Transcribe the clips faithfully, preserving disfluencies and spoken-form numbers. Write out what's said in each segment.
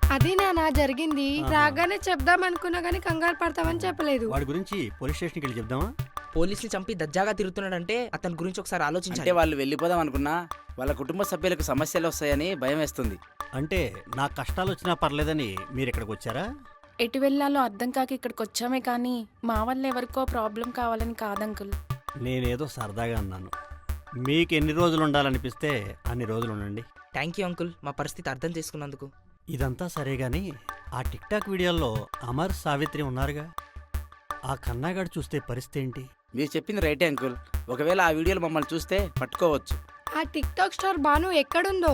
అది నానా జరిగింది. రాగానే చెప్దాం అనుకున్నా గానీ కంగారు పడతామని చెప్పలేదు. వాడి గురించి పోలీస్ స్టేషన్కి వెళ్ళి చెప్దామా? పోలీసులు చంపి దజ్జాగా తిరుగుతున్నాడంటే అతని గురించి ఒకసారి అంటే ఆలోచించాలి. వాళ్ళు వెళ్ళిపోదాం అనుకున్నా వాళ్ళ కుటుంబ సభ్యులకు సమస్యలు వస్తాయని భయం వేస్తుంది. అంటే నా కష్టాలు వచ్చినా పర్లేదని మీరు ఇక్కడికి వచ్చారా? ఎటు వెళ్ళాలో అర్థం కాక ఇక్కడికి వచ్చామే కానీ మా వల్ల ఎవరికో ప్రాబ్లం కావాలని కాదంకుల్. నేనేదో సరదాగా అన్నాను. మీకు ఎన్ని రోజులు ఉండాలనిపిస్తే అన్ని రోజులు ఉండండి. థ్యాంక్ యూ అంకుల్, మా పరిస్థితి అర్థం చేసుకున్నందుకు. ఇదంతా సరే గాని ఆ టిక్ టాక్ వీడియోల్లో అమర్, సావిత్రి ఉన్నారుగా, ఆ కన్నాగాడు చూస్తే పరిస్థితి ఏంటి? మీరు చెప్పింది రైటే అంకుల్. ఒకవేళ ఆ వీడియోలు మమ్మల్ని చూస్తే పట్టుకోవచ్చు. ఆ టిక్ టాక్ స్టార్ బాను ఎక్కడుందో?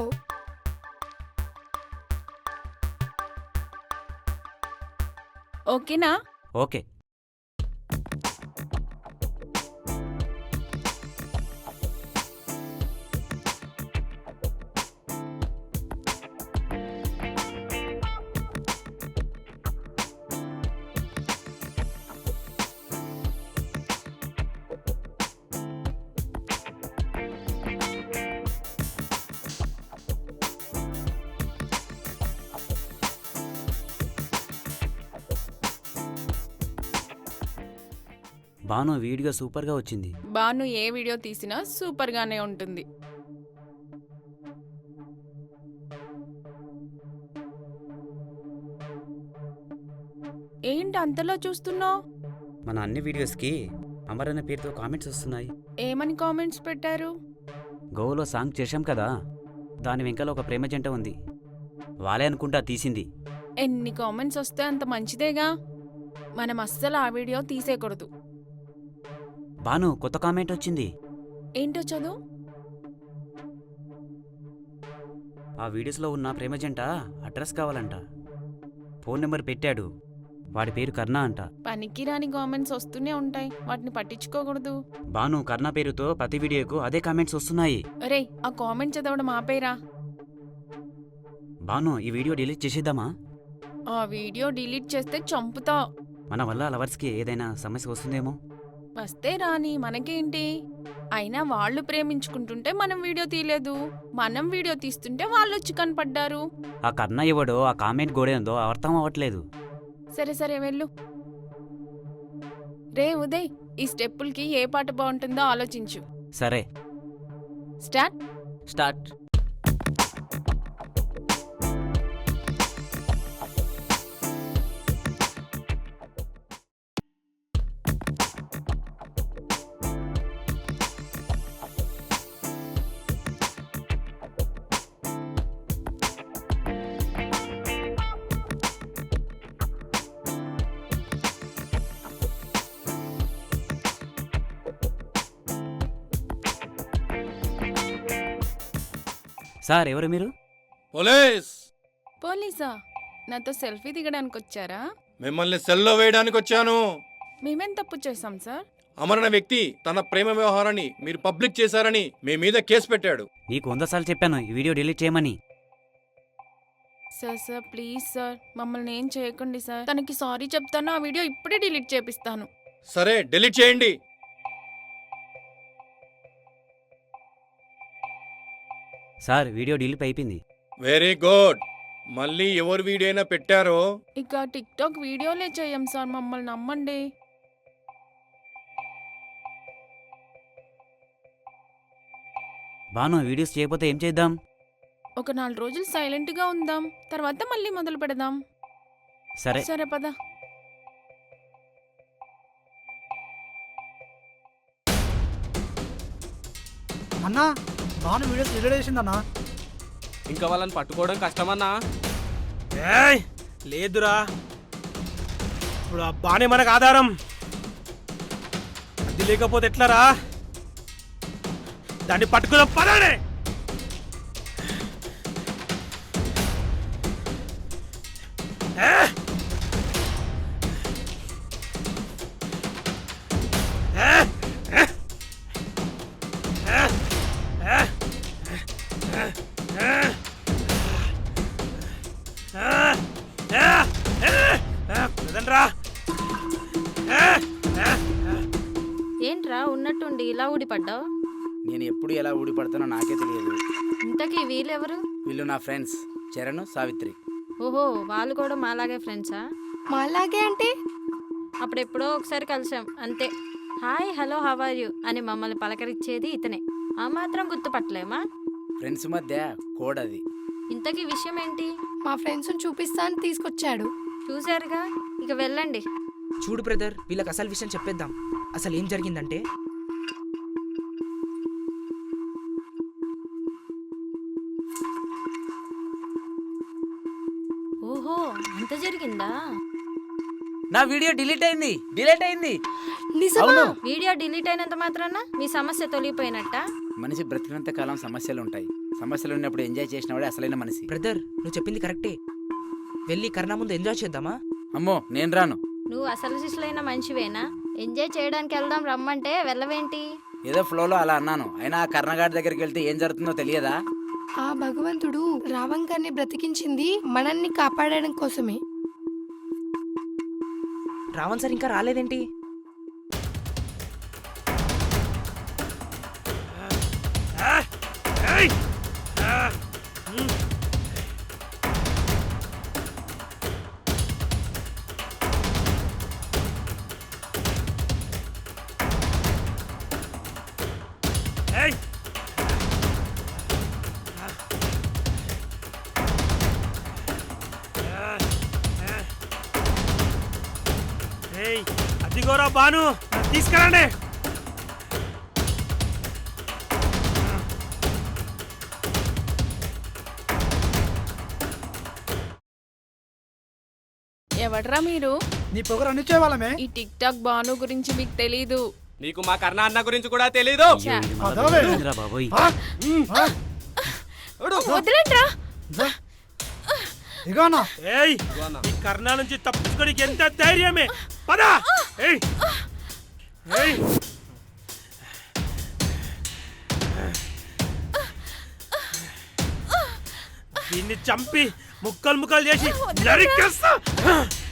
ఓకేనా? ఓకే. బాను వీడియో సూపర్గా వచ్చింది. బాను ఏ వీడియో తీసినా సూపర్ గానే ఉంటుంది. ఏంటి అంతలో చూస్తున్నావు? మన అన్ని వీడియోస్కి అమర్ అనే పేరుతో కామెంట్స్ వస్తున్నాయి. ఏమని కామెంట్స్ పెట్టారు? గోవాలో సాంగ్ చేశాం కదా, దాని వెంకల ఒక ప్రేమ జంట ఉంది. వాళ్ళే అనుకుంటా తీసింది. ఎన్ని కామెంట్స్ వస్తే అంత మంచిదేగా. మనం అస్సలు ఆ వీడియో తీసేయకూడదు. బాను కొత్త కామెంట్ వచ్చింది. ఏంటో చదువు. ఆ వీడియోస్లో ఉన్న ప్రేమ జంట అడ్రస్ కావాలంట. ఫోన్ నెంబర్ పెట్టాడు. వాడి పేరు కర్ణ అంట. పనికిరాని కామెంట్స్ వస్తూనే ఉంటాయి, వాటిని పట్టించుకోకూడదు. బాను కర్ణ పేరుతో ప్రతి వీడియోకు అదే కామెంట్స్ వస్తున్నాయి. అరే ఆ కామెంట్ చదవడం ఆపేరా. బాను ఈ వీడియో డిలీట్ చేసేద్దామా? ఆ వీడియో డిలీట్ చేస్తే చంపుతా. మన వల్ల లవర్స్కి ఏదైనా సమస్య వస్తుందేమో. వస్తే రాని, మనకేంటి? అయినా వాళ్ళు ప్రేమించుకుంటుంటే మనం వీడియో తీయలేదు, మనం వీడియో తీస్తుంటే వాళ్ళు వచ్చి కనపడ్డారు. ఆ కర్ణ ఎవడో ఆ కామెంట్ గోడేందో అర్థం అవ్వట్లేదు. సరే సరే వెళ్ళు. రే ఉదయ్, ఈ స్టెప్పులకి ఏ పాట బాగుంటుందో ఆలోచించు. సరే స్టార్ట్. స్టార్ట్. సార్ ఎవరు మీరు? పోలీస్. పోలీసా? నాతో సెల్ఫీ దిగడానికి వచ్చారా? మిమ్మల్ని సెల్లో వేయడానికి వచ్చాను. మేమేం తప్పు చేశాం సార్? అమర్ అనే వ్యక్తి తన ప్రేమ వ్యవహారాన్ని మీరు పబ్లిక్ చేశారని మీ మీద కేసు పెట్టాడు. నీకు వంద సార్లు చెప్పాను ఈ వీడియో డిలీట్ చేయమని. సార్ సార్ ప్లీజ్ సార్, మమ్మల్ని ఏం చేయకండి సార్. తనకి సారీ చెప్తాను, ఆ వీడియో ఇప్పుడే డిలీట్ చేపిస్తాను. సరే డిలీట్ చేయండి. సార్ వీడియో డిలీట్ అయిపోయింది. Very good. మళ్ళీ ఎవరు వీడియో అయినా పెట్టారో ఇక టిక్ టాక్ వీడియోలే చేయం సార్, మమ్మల్ని నమ్మండి. బాను వీడియోస్ చేయకపోతే ఏం చేద్దాం? ఒక నాలుగు రోజులు సైలెంట్ గా ఉందాం, తర్వాత మళ్ళీ మొదలు పెడదాం. సరే సరే పద. అన్నా బాను వీడియోస్ డిలీట్ చేసిందన్నా. ఇంకా వాళ్ళని పట్టుకోవడం కష్టమన్నా. ఏయ్ లేదురా, ఇప్పుడు ఆ బానే మనకు ఆధారం. అది లేకపోతే ఎట్లరా? దాన్ని పట్టుకున్న పదానే. ఏంట్రా ఉన్నట్టుండి ఇలా ఊడిపడ్డావు? నేను ఎప్పుడు ఎలా ఊడిపడతానో నాకే తెలియదు. ఇంతకీ వీళ్ళెవరు? వీళ్ళు నా ఫ్రెండ్స్ చరణ్, సావిత్రి. ఓహో వాళ్ళు కూడా మాలాగే ఫ్రెండ్సా? మాలాగే అంటే అప్పుడు ఎప్పుడో ఒకసారి కలిసాం అంతే. Hi hello how are you అని మమ్మల్ని పలకరించేది ఇతనే. ఆ మాత్రం గుర్తుపట్టలేమా? ఫ్రెండ్స్ మధ్య కోడ్ అది. ఇంతకీ విషయం ఏంటి? మా ఫ్రెండ్స్ చూపిస్తా అని తీసుకొచ్చాడు. చూశారుగా, ఇక వెళ్ళండి. చూడు బ్రదర్, వీళ్ళకి అసలు విషయం చెప్పేద్దాం. అసలు ఏం జరిగిందంటే ఓహో అంత జరిగిందా? నా వీడియో డిలీట్ అయింది డిలీట్ అయింది నిజమా? వీడియో డిలీట్ అయినంత మాత్రాన మీ సమస్య తొలగిపోయినట్ట? మనిషి బ్రతికినంత కాలం సమస్యలు ఉంటాయి. సమస్యలు ఉన్నప్పుడు ఎంజాయ్ చేసినవాడే అసలైన మనిషి. బ్రదర్, నువ్వు చెప్పింది కరెక్టే. వెళ్ళి కర్ణ ముందు ఎంజాయ్ చేద్దామా? అమ్మో నేను రాను. నువ్వు అసలు శిష్యులైన మనిషివేనా? ఎంజాయ్ చేయడానికి వెళ్దాం రమ్మంటే వెళ్ళవేంటి? ఏదో ఫ్లోలో అలా అన్నాను. అయినా ఆ కర్ణగాడి దగ్గరికి వెళ్తే ఏం జరుగుతుందో తెలియదా? ఆ భగవంతుడు రావంగాన్ని బ్రతికించింది మనల్ని కాపాడడం కోసమే. రావణ్ సార్ ఇంకా రాలేదేంటి? అదిగోరా బాను, తీసుకురండి. ఎవడ్రా మీరు? నీ పొగరు అన్ని చేయవాలమే. ఈ టిక్ టాక్ బాను గురించి మీకు తెలీదు. నీకు మా కర్ణ అన్న గురించి కూడా తెలీదు. ఛా, అదవే. ఏందిరా బాబోయ్. వదిలేండ్రా. ఇగోనా ఏయ్, ఈ కర్ణ నుంచి తప్పించుకోనికి ఎంత ధైర్యమే. పదా. ఏయ్ ఏయ్ దీన్ని చంపి ముక్కలు ముక్కలు చేసి నరికేస్తా.